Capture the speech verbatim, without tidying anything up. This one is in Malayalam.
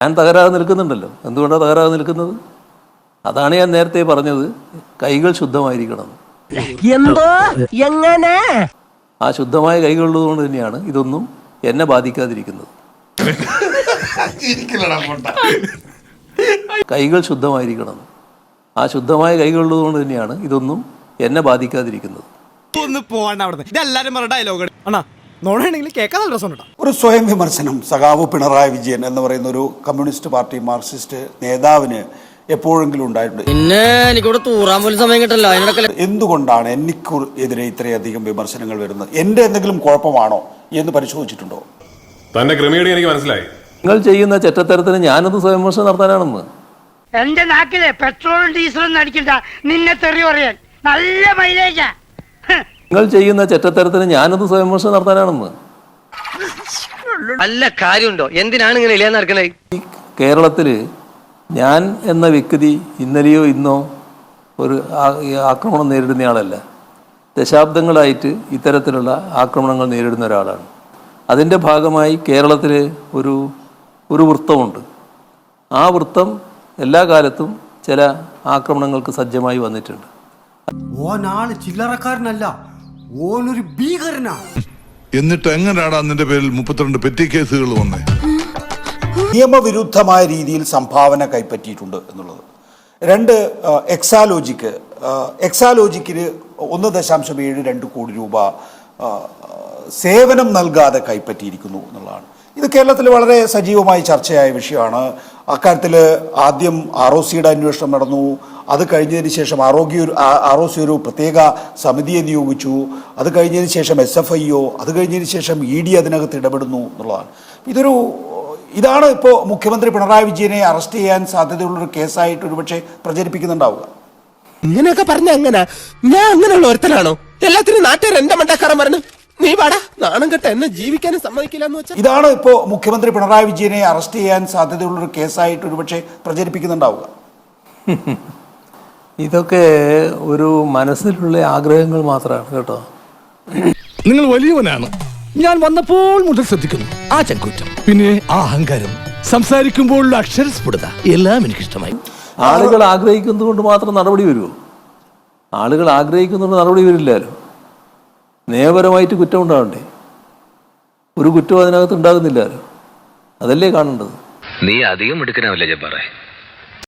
ഞാൻ തകരാതെ നിൽക്കുന്നുണ്ടല്ലോ. എന്തുകൊണ്ടാണ് തകരാതെ നിൽക്കുന്നത്? അതാണ് ഞാൻ നേരത്തെ പറഞ്ഞത്, കൈകൾ ശുദ്ധമായിരിക്കണം. എന്തോ എങ്ങനെ ആ ശുദ്ധമായ കൈകളുള്ളതുകൊണ്ട് തന്നെയാണ് ഇതൊന്നും എന്നെ ബാധിക്കാതിരിക്കുന്നത്. കൈകൾ ശുദ്ധമായിരിക്കണം. ആ ശുദ്ധമായ കൈകളുള്ളതുകൊണ്ട് തന്നെയാണ് ഇതൊന്നും എന്നെ ബാധിക്കാതിരിക്കുന്നത്. ഒരു സ്വയം വിമർശനം സഖാവ് പിണറായി വിജയൻ എന്ന് പറയുന്ന ഒരു കമ്മ്യൂണിസ്റ്റ് പാർട്ടി മാർക്സിസ്റ്റ് നേതാവിന് എപ്പോഴെങ്കിലും ഉണ്ടായിട്ടുണ്ട്. എന്തുകൊണ്ടാണ് എനിക്ക് എതിരെ ഇത്രയധികം വിമർശനങ്ങൾ വരുന്നത്? എന്റെ എന്തെങ്കിലും കുഴപ്പമാണോ എന്ന് പരിശോധിച്ചിട്ടുണ്ടോ? തന്നെ ക്രമീകരണം എനിക്ക് മനസ്സിലായി. നിങ്ങൾ ചെയ്യുന്ന ചെറ്റത്തരത്തിന് ഞാനത് സ്വയം വിമർശനം നടത്താനാണെന്ന്. എന്റെ നാക്കിലെ പെട്രോളും ഡീസലും അടിക്കണ്ട, നിന്നെ തെറി പറയാൻ നല്ല മൈലേജാ. നിങ്ങൾ ചെയ്യുന്ന ചെറ്റത്തരത്തിന് ഞാനത് സ്വയം വിമർശനം നടത്താനാണെന്ന്. നല്ല കാര്യമുണ്ടോ? എന്തിനാണ് ഇങ്ങനെ ഇല്ലാന്ന് നടക്കണേ? കേരളത്തില് ഞാൻ എന്ന വ്യക്തി ഇന്നലെയോ ഇന്നോ ഒരു ആക്രമണം നേരിടുന്നയാളല്ല. ദശാബ്ദങ്ങളായിട്ട് ഇത്തരത്തിലുള്ള ആക്രമണങ്ങൾ നേരിടുന്ന ഒരാളാണ്. അതിൻ്റെ ഭാഗമായി കേരളത്തിൽ ഒരു ഒരു വൃത്തമുണ്ട്. ആ വൃത്തം എല്ലാ കാലത്തും ചില ആക്രമണങ്ങൾക്ക് സജ്ജമായി വന്നിട്ടുണ്ട്. ഓനാള് ചില്ലറക്കാരനല്ല, ഓനൊരു ഭീകരനാ. എന്നിട്ട് എങ്ങനെയാടാ നിന്റെ പേരിൽ മുപ്പത്തിരണ്ട് പെറ്റി കേസുകൾ വന്നേ? നിയമവിരുദ്ധമായ രീതിയിൽ സംഭാവന കൈപ്പറ്റിയിട്ടുണ്ട് എന്നുള്ളത്. രണ്ട്, എക്സാലോജിക്ക് എക്സാലോജിക്കിന് ഒന്ന് ദശാംശം ഏഴ് രണ്ട് കോടി രൂപ സേവനം നൽകാതെ കൈപ്പറ്റിയിരിക്കുന്നു എന്നുള്ളതാണ്. ഇത് കേരളത്തിൽ വളരെ സജീവമായി ചർച്ചയായ വിഷയമാണ്. അക്കാര്യത്തിൽ ആദ്യം ആർ ഒ സിയുടെ അന്വേഷണം നടന്നു. അത് കഴിഞ്ഞതിന് ശേഷം ആരോഗ്യ ആർ ഒ സി ഒരു പ്രത്യേക സമിതിയെ നിയോഗിച്ചു. അത് കഴിഞ്ഞതിന് ശേഷം എസ് എഫ് ഐ ഒ, അത് കഴിഞ്ഞതിന് ശേഷം ഇ ഡി അതിനകത്ത് ഇടപെടുന്നു എന്നുള്ളതാണ്. ഇതൊരു ഇതാണ് ഇപ്പോൾ മുഖ്യമന്ത്രി പിണറായി വിജയനെ അറസ്റ്റ് ചെയ്യാൻ സാധ്യതയുള്ളൊരു കേസായിട്ട് ഒരുപക്ഷെ പ്രചരിപ്പിക്കുന്നുണ്ടാവുക. ഇങ്ങനെയൊക്കെ പറഞ്ഞ എങ്ങനെ? ഞാൻ അങ്ങനെയുള്ള ഒരുത്തനാണോ? എല്ലാത്തിനും നാട്ടുകാർ എന്റെ മണ്ടക്കാരൻ പറഞ്ഞു നീ പാടാ നാണം കെട്ട എന്നെ ജീവിക്കാനും സമ്മതിക്കില്ല എന്ന് വെച്ചാൽ ഇതാണ് ഇപ്പോൾ മുഖ്യമന്ത്രി പിണറായി വിജയനെ അറസ്റ്റ് ചെയ്യാൻ സാധ്യതയുള്ളൊരു കേസായിട്ട് ഒരുപക്ഷെ പ്രചരിപ്പിക്കുന്നുണ്ടാവുക. ഇതൊക്കെ ഒരു മനസ്സിലുള്ള ആഗ്രഹങ്ങൾ മാത്രമാണ് കേട്ടോ. നിങ്ങൾ വലിയവനാണ്. ഞാൻ വന്നപ്പോൾ മുതൽ ശ്രദ്ധിക്കുന്നു ആ ചങ്കൂറ്റം, പിന്നെ ആ അഹങ്കാരം, സംസാരിക്കുമ്പോഴുള്ള അക്ഷരസ്ഫുടത എല്ലാം എനിക്കിഷ്ടമായി. ആളുകൾ ആഗ്രഹിക്കുന്നത് കൊണ്ട് മാത്രം നടപടി വരുമോ? ആളുകൾ ആഗ്രഹിക്കുന്നുണ്ട് നടപടി വരില്ലല്ലോ. നിയമപരമായിട്ട് കുറ്റം ഉണ്ടാവണ്ടേ? ഒരു കുറ്റവും അതിനകത്ത് ഉണ്ടാകുന്നില്ലല്ലോ. അതല്ലേ കാണേണ്ടത്. നീ അധികം എടുക്കണമല്ലേ ജബ്ബാറേ?